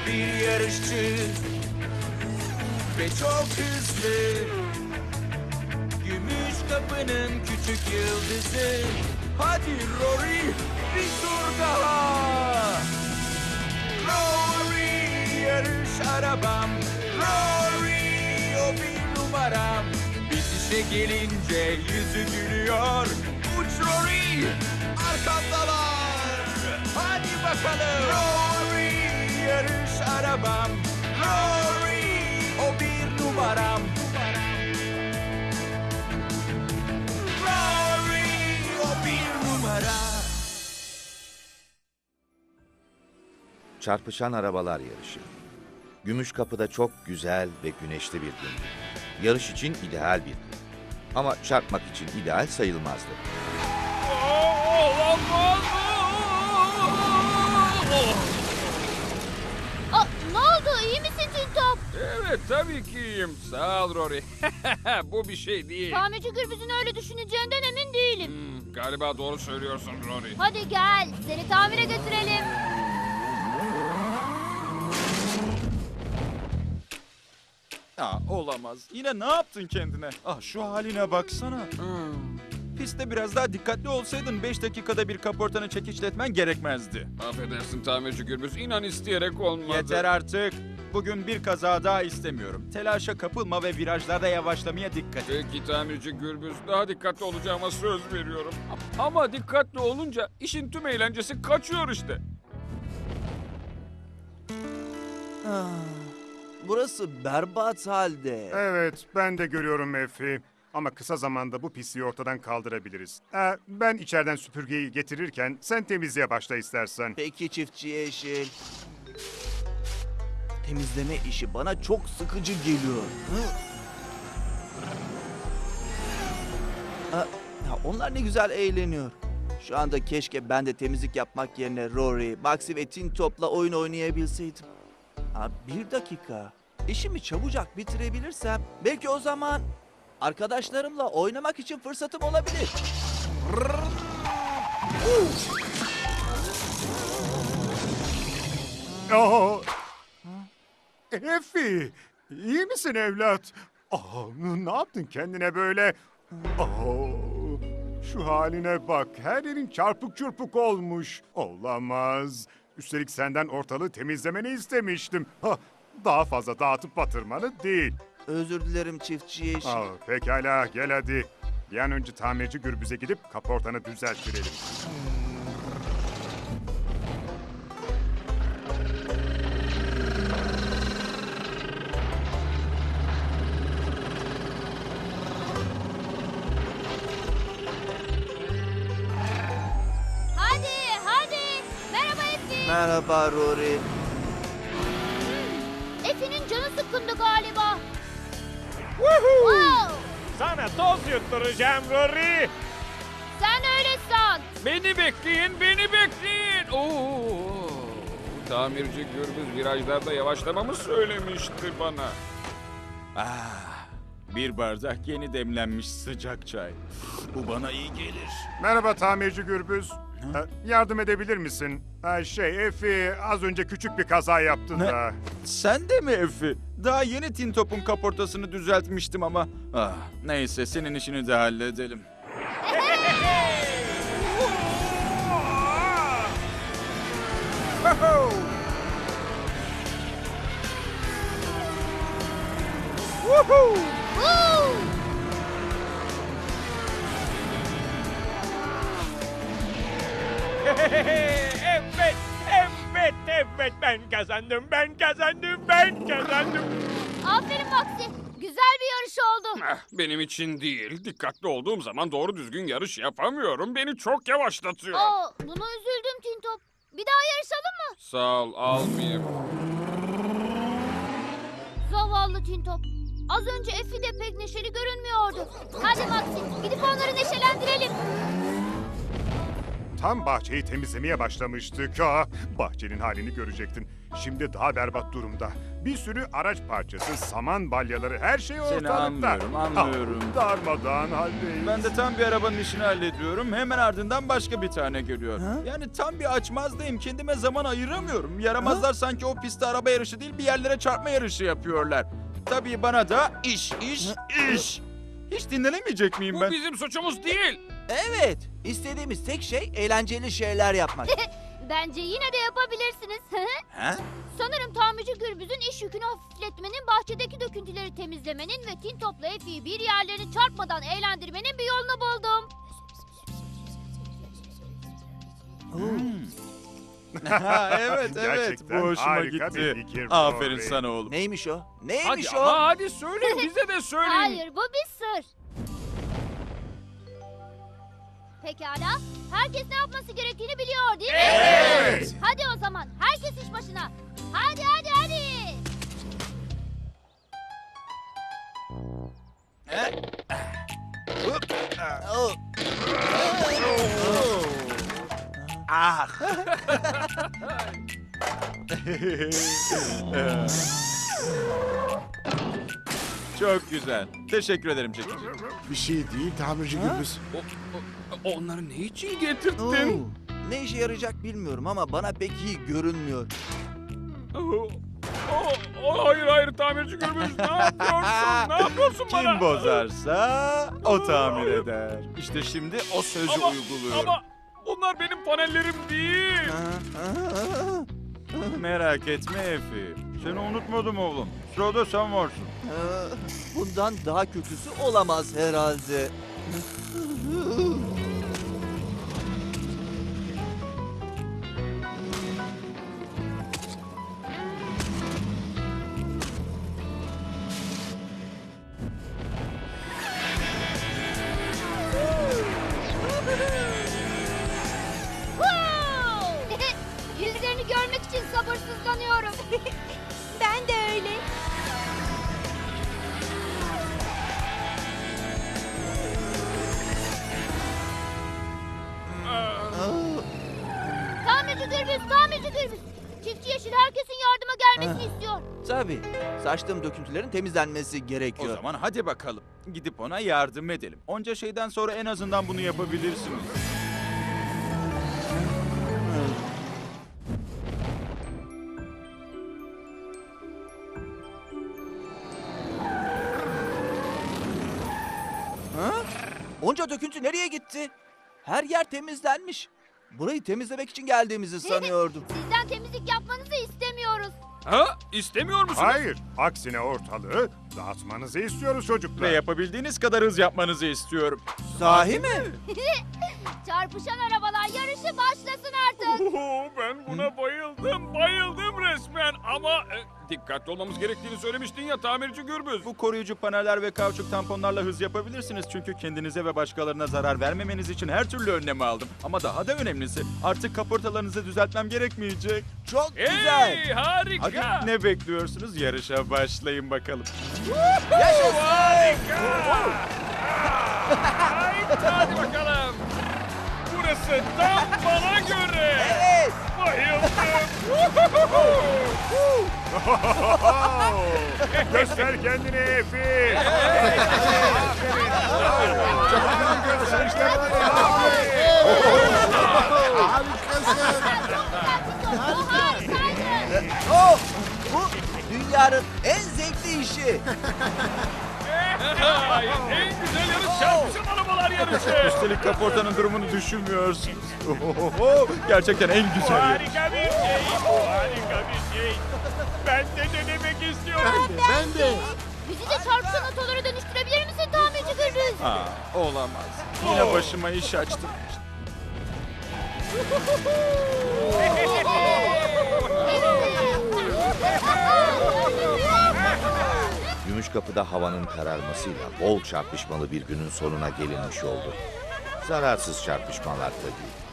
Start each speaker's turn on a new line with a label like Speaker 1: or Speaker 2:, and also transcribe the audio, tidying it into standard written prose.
Speaker 1: O bir yarışçı ve çok hızlı. Gümüş kapının küçük yıldızı. Hadi Rory, bir tur daha. Rory, yarış arabam. Rory, o bir numaram. Bitişe gelince yüzü gülüyor. Uç Rory, arkamdalar. Hadi bakalım. Rory, yarış arabam. Rory, o bir numaram. Rory, o bir numara.
Speaker 2: Çarpışan arabalar yarışı. Gümüşkapı'da çok güzel ve güneşli bir gündü. Yarış için ideal bir gün. Ama çarpmak için ideal sayılmazdı.
Speaker 3: Ne oldu? İyi misin Tintop?
Speaker 4: Evet tabii ki iyiyim. Sağ ol Rory. Bu bir şey değil.
Speaker 3: Tamirci Gürbüz'ün öyle düşüneceğinden emin değilim.
Speaker 4: Galiba doğru söylüyorsun Rory.
Speaker 3: Hadi gel, seni tamire götürelim.
Speaker 5: Olamaz. Yine ne yaptın kendine? Şu haline baksana. Pistte biraz daha dikkatli olsaydın 5 dakikada bir kaportanı çekişletmen gerekmezdi.
Speaker 4: Affedersin tamirci Gürbüz. İnan isteyerek olmadı.
Speaker 5: Yeter artık. Bugün bir kaza daha istemiyorum. Telaşa kapılma ve virajlarda yavaşlamaya dikkat et.
Speaker 4: Peki tamirci Gürbüz. Daha dikkatli olacağıma söz veriyorum. Ama dikkatli olunca işin tüm eğlencesi kaçıyor işte.
Speaker 6: Burası berbat halde.
Speaker 7: Evet, ben de görüyorum Efi. Ama kısa zamanda bu pisliği ortadan kaldırabiliriz. Ben içeriden süpürgeyi getirirken sen temizliğe başla istersen.
Speaker 6: Peki çiftçi yeşil. Temizleme işi bana çok sıkıcı geliyor. Onlar ne güzel eğleniyor. Şu anda keşke ben de temizlik yapmak yerine Rory, Maxi ve Tintop'la oyun oynayabilseydim. Bir dakika. İşimi çabucak bitirebilirsem belki o zaman arkadaşlarımla oynamak için fırsatım olabilir.
Speaker 7: Efi, iyi misin evlat? Ne yaptın kendine böyle? Şu haline bak, her yerin çarpık çırpık olmuş. Olamaz. Üstelik senden ortalığı temizlemeni istemiştim. Daha fazla dağıtıp batırmanı değil.
Speaker 6: Özür dilerim çiftçi yeşil.
Speaker 7: Pekala, gel hadi. Bir an önce tamirci Gürbüz'e gidip kaportanı düzelttirelim.
Speaker 3: Hadi. Merhaba Efi.
Speaker 6: Merhaba Rory.
Speaker 3: Efe'nin canı sıkkındı galiba. Wow!
Speaker 8: Sana toz yutturacağım Rory.
Speaker 3: Sen öyle san.
Speaker 4: Beni bekleyin. Oo. Tamirci Gürbüz virajlarda yavaşlamamı söylemişti bana.
Speaker 5: Bir bardak yeni demlenmiş sıcak çay. Bu bana iyi gelir.
Speaker 7: Merhaba tamirci Gürbüz. Yardım edebilir misin? Efi az önce küçük bir kaza yaptı
Speaker 5: Ne?
Speaker 7: da.
Speaker 5: Sen de mi Efi? Daha yeni Tintop'un kaportasını düzeltmiştim ama. Neyse senin işini de halledelim.
Speaker 3: Woo!
Speaker 8: Evet ben kazandım.
Speaker 3: Aferin Maxi. Güzel bir yarış oldu.
Speaker 4: Benim için değil. Dikkatli olduğum zaman doğru düzgün yarış yapamıyorum. Beni çok yavaşlatıyor.
Speaker 3: Buna üzüldüm Tintop. Bir daha yarışalım mı?
Speaker 4: Sağ ol, almayayım.
Speaker 3: Zavallı Tintop. Az önce Efi de pek neşeli görünmüyordu. Hadi Maxi, gidip onları neşelendirelim.
Speaker 7: tam bahçeyi temizlemeye başlamıştık. Bahçenin halini görecektin. Şimdi daha berbat durumda. Bir sürü araç parçası, saman balyaları, her şey ortalıkta.
Speaker 5: anlıyorum.
Speaker 7: Darmadağın haldeyiz.
Speaker 5: Ben de tam bir arabanın işini hallediyorum. Hemen ardından başka bir tane geliyor. Yani tam bir açmazdayım. Kendime zaman ayıramıyorum. Yaramazlar sanki o pistte araba yarışı değil bir yerlere çarpma yarışı yapıyorlar. Tabii bana da iş. Hiç dinlenemeyecek miyim
Speaker 4: Bu
Speaker 5: ben?
Speaker 4: bizim suçumuz değil.
Speaker 6: Evet, istediğimiz tek şey eğlenceli şeyler yapmak.
Speaker 3: Bence yine de yapabilirsiniz.
Speaker 6: Ha?
Speaker 3: Sanırım tamirci Gürbüz'ün iş yükünü hafifletmenin, bahçedeki döküntüleri temizlemenin ve Tintop'la Effie'yi bir yerlerini çarpmadan eğlendirmenin bir yolunu buldum.
Speaker 5: Evet.
Speaker 7: Gerçekten
Speaker 5: Bu hoşuma
Speaker 7: harika
Speaker 5: gitti.
Speaker 7: bir fikir,
Speaker 5: Aferin
Speaker 7: Rory.
Speaker 5: sana oğlum.
Speaker 6: Neymiş o?
Speaker 4: Hadi
Speaker 6: Neymiş o?
Speaker 4: ama hadi söyleyin bize de söyleyin.
Speaker 3: Hayır, bu bir sır. Pekala, herkes ne yapması gerektiğini biliyor değil mi?
Speaker 7: Evet.
Speaker 3: Hadi o zaman, herkes iş başına. Hadi.
Speaker 6: Oh. Ah.
Speaker 5: Çok güzel. Teşekkür ederim çekici.
Speaker 9: Bir şey değil tamirci Gürbüz.
Speaker 4: Onları ne için
Speaker 6: Oo.
Speaker 4: getirdin?
Speaker 6: Ne işe yarayacak bilmiyorum ama bana pek iyi görünmüyor.
Speaker 4: Hayır tamirci Gürbüz ne yapıyorsun? Ne yapıyorsun bana?
Speaker 5: Kim bozarsa o tamir eder. İşte şimdi o sözü uyguluyorum.
Speaker 4: Ama bunlar benim panellerim değil.
Speaker 5: Merak etme Efi. Seni unutmadım oğlum. Sırada sen varsın.
Speaker 6: Bundan daha kötüsü olamaz herhalde.
Speaker 3: Yüzlerini görmek için sabırsızlanıyorum. Ben de öyle. Tamirci Gürbüz. Çiftçi Yeşil herkesin yardıma gelmesini istiyor.
Speaker 6: Tabii. Saçtığım döküntülerin temizlenmesi
Speaker 5: O
Speaker 6: gerekiyor.
Speaker 5: zaman hadi bakalım. Gidip ona yardım edelim. Onca şeyden sonra en azından bunu yapabilirsiniz.
Speaker 6: Ha? Onca döküntü nereye gitti? Her yer temizlenmiş. Burayı temizlemek için geldiğimizi sanıyordum.
Speaker 3: Sizden temizlik yapmanızı istemiyoruz.
Speaker 4: Ha? İstemiyor musunuz?
Speaker 7: Hayır, aksine ortalığı dağıtmanızı istiyoruz çocuklar.
Speaker 5: Ve yapabildiğiniz kadar hız yapmanızı istiyorum.
Speaker 6: Sahi mi?
Speaker 3: Çarpışan arabalar yarışı başlasın artık.
Speaker 4: Ben buna bayıldım resmen. Ama dikkatli olmamız gerektiğini söylemiştin ya tamirci Gürbüz.
Speaker 5: Bu koruyucu paneller ve kauçuk tamponlarla hız yapabilirsiniz. Çünkü kendinize ve başkalarına zarar vermemeniz için her türlü önlemi aldım. Ama daha da önemlisi artık kaportalarınızı düzeltmem gerekmeyecek.
Speaker 6: Çok güzel.
Speaker 4: Hey harika.
Speaker 5: Hadi ne bekliyorsunuz? Yarışa başlayın bakalım.
Speaker 4: Harika. Hadi bakalım. Burası tam bana göre.
Speaker 6: Evet.
Speaker 4: Bayıldım.
Speaker 7: Göster kendini Efi. Göster işte böyle.
Speaker 3: Bu harikaydı.
Speaker 6: Oh, bu dünyanın en zevkli işi.
Speaker 4: En güzel yarış çarpışan arabalar yarışı.
Speaker 5: Üstelik kaportanın durumunu düşünmüyorsunuz. Gerçekten en güzel yarış.
Speaker 8: Harika bir şey. Harika bir şey. Ben de denemek istiyorum.
Speaker 9: Ben de.
Speaker 3: Bizi de çarpışan otolara dönüştürebilir misin tamirci Gürbüz?
Speaker 5: Olamaz. Yine başıma iş açtım.
Speaker 2: Gümüşkapı'da havanın kararmasıyla bol çarpışmalı bir günün sonuna gelinmiş oldu. Zararsız çarpışmalar tabii.